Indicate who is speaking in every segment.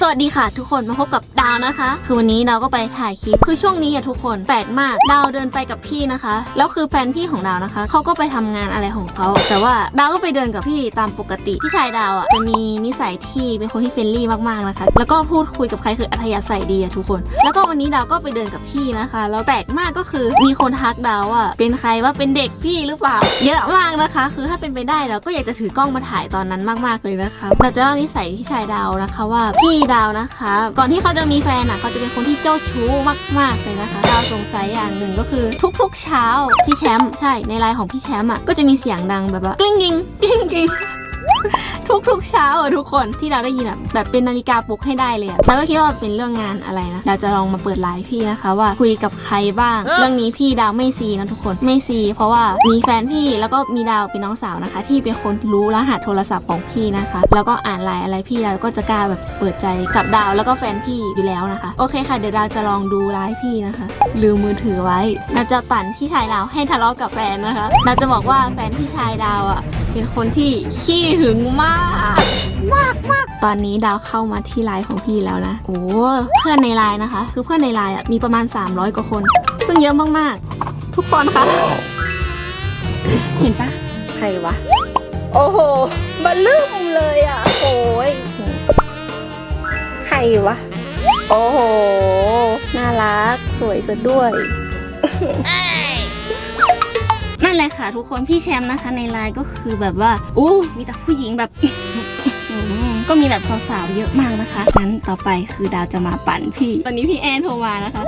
Speaker 1: สวัสดีค่ะทุกคนมาพบกับดาวนะคะคือวันนี้ดาวก็ไปถ่ายคลิปคือช่วงนี้ทุกคนแปลกมากดาวเดินไปกับพี่นะคะแล้วคือแฟนพี่ของดาวนะคะเขาก็ไปทำงานอะไรของเขาแต่ว่าดาวก็ไปเดินกับพี่ตามปกติพี่ชายดาวจะมีนิสัยที่เป็นคนที่เฟรนลี่มากๆนะคะแล้วก็พูดคุยกับใครคืออัธยาศัยดีทุกคนแล้วก็วันนี้ดาวก็ไปเดินกับพี่นะคะแล้วแปลกมากก็คือมีคนทักดาวเป็นใครว่าเป็นเด็กพี่หรือเปล่าเยอะมากนะคะคือถ้าเป็นไปได้เราก็อยากจะถือกล้องมาถ่ายตอนนั้นมากๆเลยนะคะเราจะเล่านิสัยพี่ชายดาวนะคะว่าพี่ดาวนะคะก่อนที่เขาจะมีแฟนเขาจะเป็นคนที่เจ้าชู้มากๆเลยนะคะดาวสงสัยอย่างหนึ่งก็คือทุกๆเช้าพี่แชมป์ใช่ในไลน์ของพี่แชมป์ก็จะมีเสียงดังแบบว่ากลิ้งกิ้งกลิ้งกิ้งทุกเช้าทุกคนที่เราได้ยินแบบเป็นนาฬิกาปลุกให้ได้เลยแล้วก็คิดว่าเป็นเรื่องงานอะไรนะเราจะลองมาเปิดไลฟ์พี่นะคะว่าคุยกับใครบ้างเรื่องนี้พี่ดาวไม่ซีนะทุกคนไม่ซีเพราะว่ามีแฟนพี่แล้วก็มีดาวเป็นน้องสาวนะคะที่เป็นคนรู้รหัสโทรศัพท์ของพี่นะคะแล้วก็อ่านไลน์อะไรพี่ดาวก็จะกล้าแบบเปิดใจกับดาวแล้วก็แฟนพี่อยู่แล้วนะคะโอเคค่ะเดี๋ยวดาวจะลองดูไลฟ์พี่นะคะลืมมือถือไว้เราจะปั่นพี่ชายดาวให้ทะเลาะกับแฟนนะคะเราจะบอกว่าแฟนพี่ชายดาวเป็นคนที่ขี้หึงมากตอนนี้ดาวเข้ามาที่ไลน์ของพี่แล้วนะโอ้เพื่อนในไลน์นะคะคือเพื่อนในไลน์มีประมาณ300กว่าคนซึ่งเยอะมากๆทุกคนคะเห็นปะใครวะโอ้โหบัลลืมเลยโอ้ยใครวะโอ้โหน่ารักสวยซะด้วยนั่นแหละค่ะทุกคนพี่แชมป์นะคะในไลน์ก็คือแบบว่ามีแต่ผู้หญิงแบบก็มีแบบสาวๆเยอะมากนะคะงั้นต่อไปคือดาวจะมาปั่นพี่ตอนนี้พี่แอนโทรมานะคะ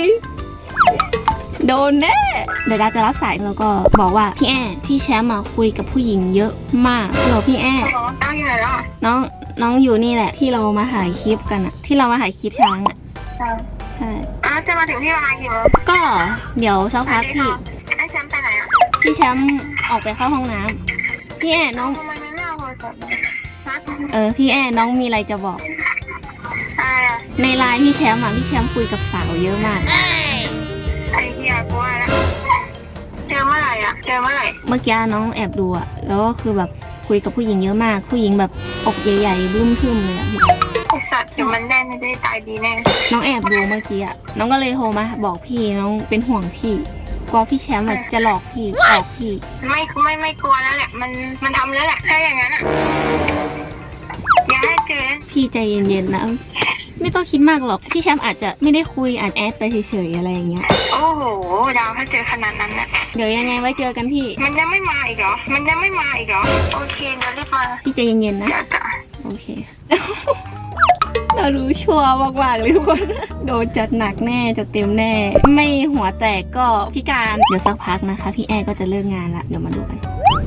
Speaker 1: โดนแน่เดี๋ยวดาวจะรับสายแล้วก็บอกว่าพี่แอนพี่แชมป์คุยกับผู้หญิงเยอะมากเหรอพี่แอน
Speaker 2: น้องอยู่ไหนล่ะ
Speaker 1: น้องอยู่นี่แหละที่เรามาถ่ายคลิปกันที่เรามาถ่ายคลิปช้างใช่
Speaker 2: จะมาถึงที่ประมาณกี่โมง
Speaker 1: ก็เดี๋ยวสักพักพี่
Speaker 2: ไอ้แชมป์ไปไหน
Speaker 1: พี่แชมป์ออกไปเข้าห้องน้ำพี่แอนน้อง
Speaker 2: ทำไมไม่เอาโทรศัพท์
Speaker 1: พี่แอนน้องมีอะไรจะบอกในไลน์พี่แชมป์พี่แชมป์คุยกับสาวเยอะมาก
Speaker 2: ไอ้เหี้ยกูว่าแล้วเจอเมื่อไหร่
Speaker 1: เมื่อกี้น้องแอบดูแล้วก็คือแบบคุยกับผู้หญิงเยอะมากผู้หญิงแบบอกใหญ่ๆบึ้มทึ่มเลยพี่
Speaker 2: ไอ้สัตว์เดี๋ยวมันไม่ได้ตายดีแน่
Speaker 1: น้องแอบดูเมื่อกี้น้องก็เลยโทรมาบอกพี่น้องเป็นห่วงพี่กลัวพี่แชมป์จะหลอกพี่ออกพี่
Speaker 2: ไม่กลัวแล้วแหละมันทำแล้วแหละถ้าอย่างนั้นอย่าให้เจอ
Speaker 1: พี่ใจเย็นๆนะไม่ต้องคิดมากหรอกพี่แชมป์อาจจะไม่ได้คุยอ่านแอดไปเฉยๆอะไรอย่างเงี้ย
Speaker 2: โอ้โหดาวถ้าเจอขนาดนั้นนะ
Speaker 1: เดี๋ยวยังไงไว้เจอกันพี่
Speaker 2: มันยังไม่มาอีกเหรอโอเคเดี๋ยวรีบมา
Speaker 1: พี่ใจเย็นๆนะโอเคเรารู้ชัวร์มากๆเลยทุกคนโดนจัดหนักแน่จะเต็มแน่ไม่หัวแตกก็พิการเดี๋ยวสักพักนะคะพี่แอร์ก็จะเลิกงานละเดี๋ยวมาดูกัน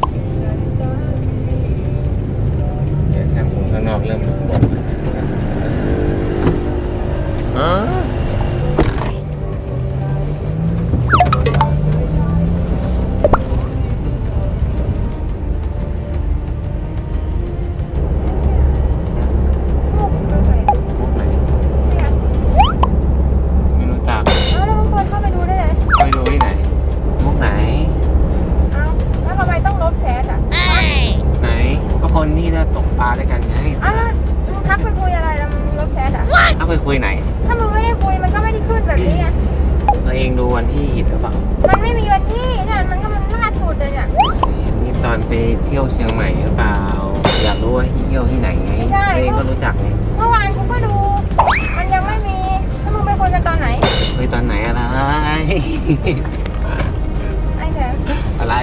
Speaker 3: แชมพูข้างนอกเริ่มหมดนี่เราตกปลาด้วยกันไง
Speaker 2: มึงทักไปคุยอะไรแล้วมึงลบแชท
Speaker 3: ทักไปคุยไหน
Speaker 2: ถ้ามึงไม่ได้คุยมันก็ไม่ได้ขึ้นแบบนี้ไง
Speaker 3: ตัวเองดูวันที่ผิดหรือเปล่า
Speaker 2: มันไม่มีวันที่เนี่ยมันก็มันล่าสุดเลยเนี่ย
Speaker 3: นี่ตอนไปเที่ยวเชียงใหม่หรือเปล่าอยากรู้ว่าเที่ยวที่ไหนไงตัวเองก็รู้จักไง
Speaker 2: เมื่อวานกูก็ดูมันยังไม่มีถ้ามึงไปคุยกันตอนไหน
Speaker 3: คุยตอนไหนอะไร
Speaker 2: ไอ้แชมป์
Speaker 3: อะไร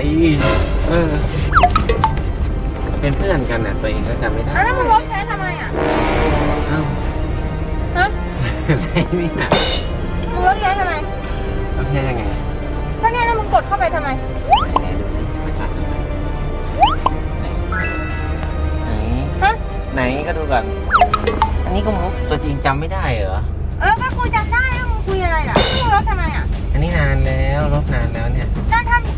Speaker 3: เป็นเพื่อนกันน่ะตัวเองก็จำไม่ได้
Speaker 2: แล้วมึงลบแชททำไม
Speaker 3: อ้าวอะไรเนี่ย
Speaker 2: มึงลบแชททำไม
Speaker 3: ลบแชทยังไง
Speaker 2: ก็เนี่ยแล้วมึงกดเข้าไปทำไม
Speaker 3: ไหนดูสิไปตัดไหนก็ดูก่อนอันนี้ก็มุกตัวจริงจำไม่ได้เหรอ
Speaker 2: ก็กูจำได้แล้วมึงคุยอะไรล่ะมึงลบทำไม
Speaker 3: อันนี้นานแล้วลบนานแล้วเนี่ย
Speaker 2: นานทำ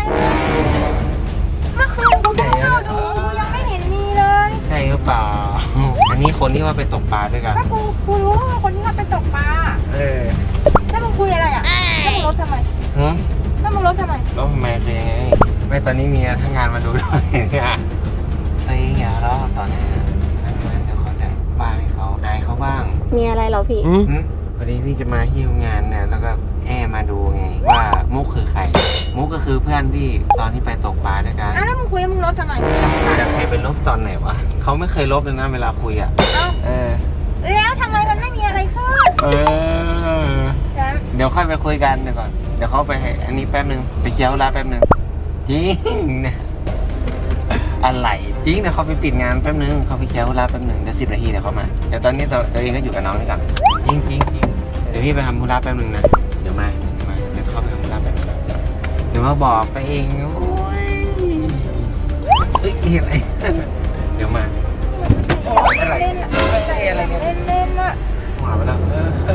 Speaker 2: เมื่อคืนกูเข้าดูยังไม่เห็นมีเลย
Speaker 3: ใช่หรือเปล่าอันนี้คนที่ว่าไปตกปลาด้วยกัน
Speaker 2: ถ้ากูรู้ว่าคนที่ว่าไปตกปลาแล้วมึงคุยอะไรแล้วมึงลบทำไมแล้วมึงลบทำไม
Speaker 3: ลบทำไมคือยังไงไม่ตอนนี้มีทั้งงานมาดูด้วยเนี่ยตัวเองอย่าล้อตอนนี้เดี๋ยวเขาจะบ้าให้เขาอายเขาบ้าง
Speaker 1: มีอะไรเหรอพี่
Speaker 3: พอดีพี่จะมาที่ทำงานเนี่ยแล้วก็มาดูไงว่ามุกคือใคร มุกก็คือเพื่อนพี่ตอนที่ไปตกปลาด้วยกัน
Speaker 2: แล้วมึงคุยมึงลบทำไม
Speaker 3: แต่ใครเป็นลบตอนไหนวะเขาไม่เคยลบเลยนะเวลาคุยอ่ะ
Speaker 2: แล้วทำไมมันไม่มีอะไรขึ้นแชมป์
Speaker 3: เดี๋ยวค่อยไปคุยกันเดี๋ยวก่อนเดี๋ยวเขาไปให้อันนี้แป๊บนึงไปเคลียร์ธุระแป๊บนึงจริงเนี่ยอะไรจริงเดี๋ยวเขาไปปิดงานแป๊บนึงเขาไปเคลียร์ธุระแป๊บนึงเดี๋ยว10 นาทีเดี๋ยวเขามาเดี๋ยวตอนนี้ตัวเองก็อยู่กับน้องนี่ก่อนจริงเดี๋ยวพี่ไปทำธุระแป๊บนึงนะเดี๋ยวมาเดี๋ยวเข้าไปทำธุระแป๊บนึงเดี๋ยวมาบอกตัวเองโอ้ยเฮ้ยอะไร เดี๋ยวมาอะไร
Speaker 2: เล่นอะ
Speaker 3: อะไรเนี่ย
Speaker 2: เล่นอะ
Speaker 3: หมาไปแล้ว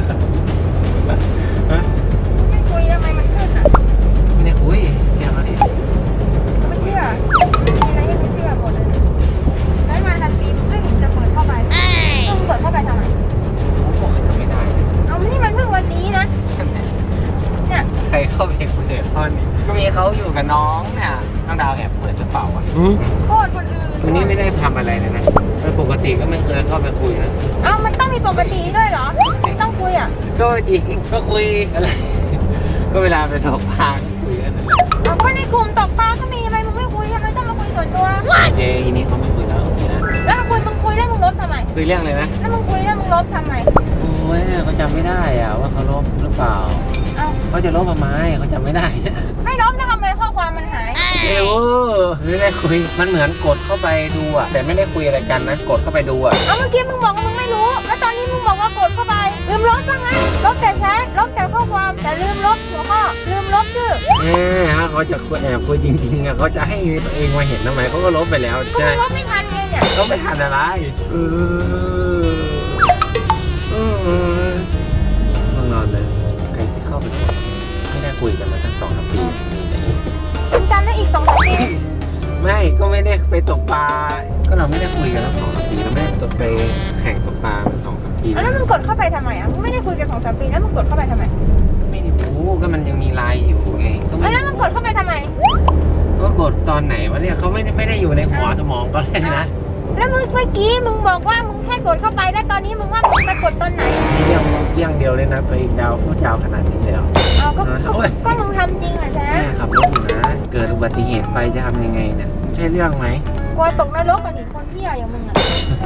Speaker 2: ไม่คุยทำไมมันขึ้นอะ
Speaker 3: ไม่ได้คุยเชื่อเขาดิ
Speaker 2: ไม่เชื่อมีอะไรให้ไม่เชื่อหมดเลยแล้วมาทันทีมึงไม่เห็นจะเปิดเข้าไปมึงเปิดเข้าไปทำไม
Speaker 3: ผมบอกให้ทำไม่ได้
Speaker 2: เอานี่มันเพิ่งวันนี้นะเนี่ย
Speaker 3: ใครเข้าไปเปิดข้อนี้ก็มีเขาอยู่กับน้องเนี่ยน้องดาวแอบเปิดหรือเปล่าวะ
Speaker 2: โคตรคนอื่น
Speaker 3: วันนี้ไม่ได้ทำอะไรเลยนะโดยปกติก็ไม่เคยเข้าไปคุยนะ
Speaker 2: เอ้ามันต้องมีปกติด้วยเหรอไม่ต้องคุยอ่ะ
Speaker 3: ก็จริงก็คุยอะไร ก็เวลาไปตกปลาก็คุยกันนั่นแหละ
Speaker 2: เอาก็ในกลุ่มตกปลาก็มีทำไมมึงไม่คุยทำไมต้องมาคุยส่วนตัว
Speaker 3: เจทีนี้เขาไม่คุยแล้วโอเคนะ
Speaker 2: แล้วมึงคุยแล้วมึงลบทำไม
Speaker 3: คุยเรื่องเลยนะ
Speaker 2: แล้วมึงคุยแล้วมึงลบทำไม
Speaker 3: โอ้ยเขาจำไม่ได้อะว่าเขาลบหรือเปล่า
Speaker 2: เอ้า
Speaker 3: เขาจะลบทำไมเขาจำไม่ได้นะ
Speaker 2: ไม่ลบแล้วทำไมข้อความมันหาย
Speaker 3: เอ้ไม่ได้คุยมันเหมือนกดเข้าไปดูอะแต่ไม่ได้คุยอะไรกันนะกดเข้าไปดูอะ
Speaker 2: เอาเมื่อกี้มึงบอกว่ามึงไม่รู้ แล้วตอนนี้มึงบอกว่ากดเข้าไป ลืมลบซะงั้นลบแต่แชทลบแต่ข้อความ แต่ลืมลบหัวข้อ ลืมลบชื่อ
Speaker 3: ถ้าเขาจะคุยแอบคุยจริงๆอะเขาจะให้ตัวเองมาเห็นทำไมเขาก็ลบไปแล้ว
Speaker 2: ก็
Speaker 3: ใช่
Speaker 2: มึงลบไม่ทันไงเนี่ย
Speaker 3: ก็ไม่ทันอะไรมึงนอนเลยใครที่เข้าไปกดไม่ได้คุยกันมาตั้ง2-3 ปีนี่แต่นี่
Speaker 2: มึงจำได้อีก2-3 ปี
Speaker 3: ไม่ก็ไม่ได้ไปตกปลาก็เราไม่ได้คุยกันตั้ง2-3 ปีเราไม่ได้ตกไปแข่งตกปลามา2-3 ปี
Speaker 2: แล้วมึงกดเข้าไปทำไมอ่ะ มึงไม่ได้คุยกัน2-3 ปีแล้วมึงกดเข้าไปทำไม
Speaker 3: ไม่ได้รู้ก็มันยังมีไลน์อยู่ไงก็ไม่
Speaker 2: แล้วมึงกดเข้าไปทำไม
Speaker 3: ก็กดตอนไหนวะเนี่ยเขาไม่ได้อยู่ในหัวสมองก็เลยนะ
Speaker 2: แล้วมึงเมื่อกี้มึงบอกว่ามึงแค่กดเข้าไปแล้วตอนนี้มึงว่ามึงไปกดตอนไหน
Speaker 3: เรื่องเดียวเลยนะตัวเองดาวพูดยาวขนาดนี้เลยเหรอ
Speaker 2: เอาก็มึงทำจริงเหรอแช
Speaker 3: แม่
Speaker 2: มป์
Speaker 3: ขับรถอยู่นะเกิดอุบัติเหตุไปจะทำยังไงเนี่ยใช่เรื่องไหม
Speaker 2: กลัวตกนรกกันอีกคนเที่ยอย่างมึงอ่ะ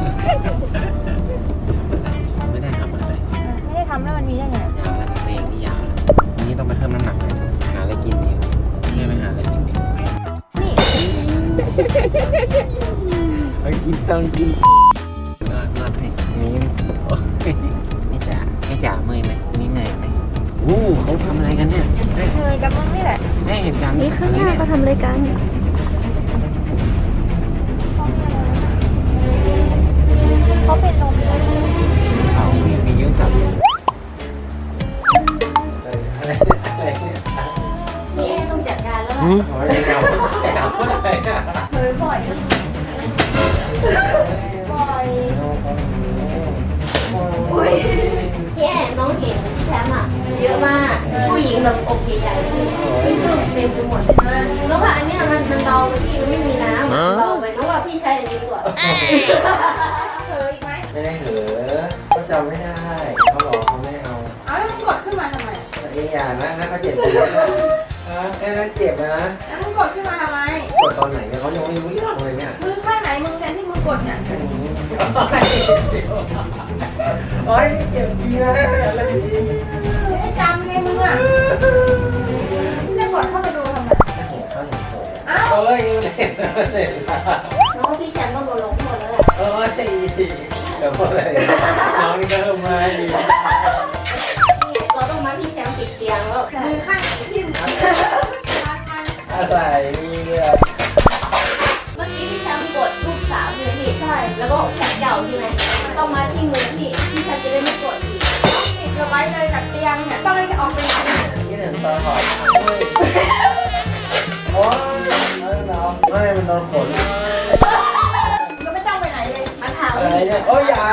Speaker 3: ไม่ได้ทำอะไร
Speaker 2: ไม่ได้ทำแล้วมันมีได้ไง
Speaker 3: ยาวแล้วเพลงนี่ยาวแล้ววันนี้ต้องไปเพิ่มน้ำหนักเลยหาอะไรกินดีไม่ไปหาอะไรกินดี
Speaker 2: นี่
Speaker 3: ไปกินต้องกินนอนให้นี่โอ้ยไม่จ๋าเมื่อยไหมนี่เหนื่อยไหมโอ้เขาทำอะไรกันเนี่ย
Speaker 2: เคยกับมึงนี่แหละ
Speaker 3: ได้เห็นกัน
Speaker 1: นี่ข้างหน้าเขาทำรายการ
Speaker 2: เขาเป็นลมเลย
Speaker 3: เขามียืดจับอะไรเนี่ย
Speaker 1: นี่เอต้องจัดการแล้ว
Speaker 3: โอ้ยเก่าอะไรเนี่ย
Speaker 2: เคยบ่อยบ่อย
Speaker 1: อุ้ยพี่แอนน้องเห็นพี่แชมป์อ่ะเยอะมากผู้หญิงแบบอกใหญ่ๆเลยที่เพิ่มเต็มไปหมดเลยแล้วว่าอันเนี้ยมันเบาไปพี่มันไม่มีน้ำมันเบาไปน้องว่าพี่ใช้อันนี้ดีกว่า
Speaker 2: เคยไหม
Speaker 3: ไม่ได้เหรอเขาจำไม่ได้เขาบอกเขาไม่เอา
Speaker 2: เอาแล้วมึงกดขึ้นมาทำไม
Speaker 3: ไอ้อย่างนั้นเขาเจ็บตัวนะแค่นั้นเจ็บนะ
Speaker 2: แล้วมึงกดขึ้นมาทำไม
Speaker 3: กดตอนไหนเนี่ยเขายังไม่รู้เรื่องเลยเนี่ย
Speaker 2: มือข้างไหนมึงแทนที่มึงกดเนี่ย
Speaker 3: โอ้ยนี่เจ็บจริงนะอะไรนี่
Speaker 2: ไม่ได้จำไงมึงอ่ะมึงจะกดเข้าไปดูทำไม
Speaker 3: เห็นเขาเห็นโซ่
Speaker 2: อ้าว
Speaker 3: โอ้ยเห็น
Speaker 1: น้องว่าพี่แชมป์ต้องโดนลงโทษแล้วแหละ
Speaker 3: โอ้ยเดี๋ยวพูดอะไรน้องนี่ก็เริ่มมาดี
Speaker 1: เราต้องมาพี่แชมป์ติดเตียงแล้ว
Speaker 2: มือข้างไหนที่มึง
Speaker 3: อะไรนี่เนี่ย
Speaker 1: เมื่อกี้พี่แชมป์กดลูกสาวใช่ไหมพี่ใช่แล้วก็แขนยาวใช่ไหมต้องมาที่มือพี่แชมป์จะได้ไม่กดอีก
Speaker 2: ต้องติดเอาไว้เลยกับเตียงเนี่ยต้องให้ออกไปไหน
Speaker 3: นี่เห็นตาหอมโอ้ยไม่มันโดนฝน
Speaker 2: ก็ไม่ต้องไปไหนเลย
Speaker 1: มาถาม
Speaker 3: อะไรเนี่ยโอ้ยอย่าก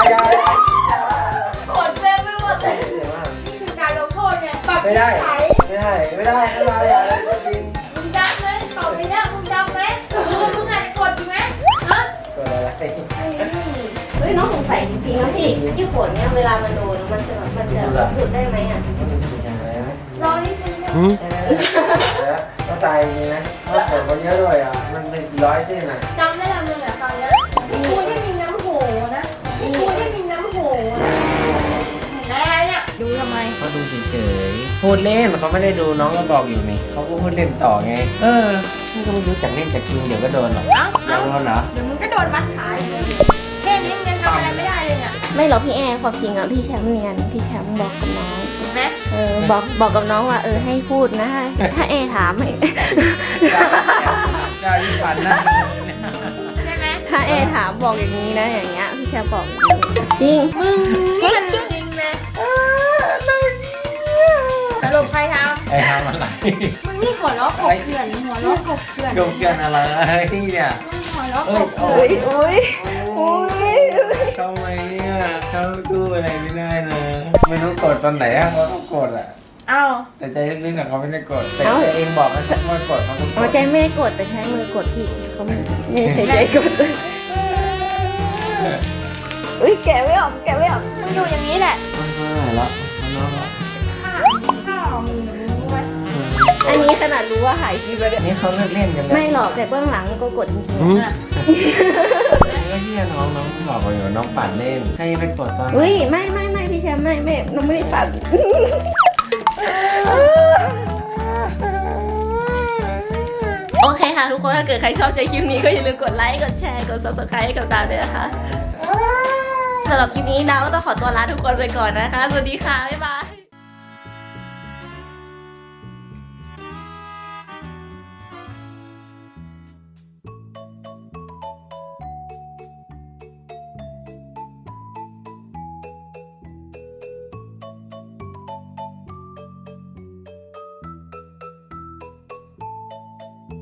Speaker 2: ดเต็มไปหมดเลย
Speaker 3: เดี๋ยวมา
Speaker 2: นี่คือการลงโทษเนี่ยปรับ
Speaker 3: ไม่ได้อะไรอย่าเลยจริง
Speaker 2: มึงจำเลยต่อไปเนี่ยมึงจำไหมมึงอาจจะกดอยู่ไหมฮะ
Speaker 3: กดอะไร
Speaker 1: เฮ้ยน้องสงสัยจริงนะพี่ที่ขนเนี่ยเวลามันโดนมันจะหยุดได้ไหมอ่ะ
Speaker 2: รอนิดนึงนะ
Speaker 3: ก็ตายจริงนะถ้าผลมันเยอะด้วยอ่ะมันเป็น100เส้นอ่ะ
Speaker 2: จำได้แล้วมึงอะฟังนะกูที่มีน้ำโหนะกูที่มีน้ำโหนะอะไรเนี่ยดูทำไม
Speaker 3: เขาดูเฉยๆพูดเล่นเขาไม่ได้ดูน้องก็บอกอยู่นี่เขาก็พูดเล่นต่อไงนี่ก็ไม่รู้จักเล่นจากจริงเดี๋ยวก็โดนหรอก
Speaker 2: เอ้า
Speaker 3: อยากโดนเหรอ
Speaker 2: เดี๋ยวมึงก็โดนมัดขาอีกเลยแค่นี้มึงยังทำอะไรไม่ได้เลยเนี่ย
Speaker 1: ไม่หรอกพี่แอร์ความจริงอ่ะพี่แชมป์เนียนพี่แชมป์บอกกับน้อง
Speaker 2: เห็นไหม
Speaker 1: บอกกับน้องว่าให้พูดนะถ้าแอร์ถามให้
Speaker 3: ได้ยิ่งฝันนะ
Speaker 2: ใช่ไหม
Speaker 1: ถ้าแอร์ถามบอกอย่างนี้นะอย่างเงี้ยพี่แชมป์บอกจริง
Speaker 2: มึงนี่มันจริงเลยสรุปใครท
Speaker 3: ไอ้ทำอะไร
Speaker 2: ำมึงนี่หัวล้อกบเกลื่อนหัวล้อกบเกลื่อน
Speaker 3: โดนกันอะไรเนี่ย
Speaker 2: มึงหัวล้อกบ
Speaker 3: โอ้
Speaker 2: เกลื่อน
Speaker 3: ทำไมเนี่ยเขาดูอะไรไม่ได้นะไม่รู้กดตอนไหนอะเขาต้องกดอะ
Speaker 2: เอ้า
Speaker 3: แต่ใจลึกๆอะเขาไม่ได้กดแต่ใจเองบอกว่าว่ากดเขาต้องก
Speaker 1: เอา
Speaker 3: ด
Speaker 1: ใจไม่ได้กดแต่ใช้มือกดพี่เขาไม่ใช้ใจกดอุ้ยแกะไม่ออก
Speaker 2: มึงอยู่อย่างนี้แหละ
Speaker 3: มันเท่าไหร่ละมันน้อยละ
Speaker 2: ข้าวมึงรู้ไหม
Speaker 1: อันนี้ขนาดรู้ว่าหายคลิปแล้วเนี่ย
Speaker 3: นี่เขาเลิกเล่นกันแล้ว
Speaker 1: ไม่หรอกแต่เบื้องหลังก็กดจริง
Speaker 3: ไอ้ที่น้องบอกว่าอยู่น้องปั่นเล่นให้ไปกดตอน
Speaker 1: ๆอุ้ยไม่พี่แชมป์ไม่น้องไม่ได้ตัด โอเคค่ะทุกคนถ้าเกิดใครชอบใจคลิปนี้ก็อย่าลืมกดไลค์กดแชร์กด subscribe ให้กับดาวด้วยนะคะสำหรับคลิปนี้ดาวก็ต้องขอตัวลาทุกคนไปก่อนนะคะสวัสดีค่ะบ๊ายบาย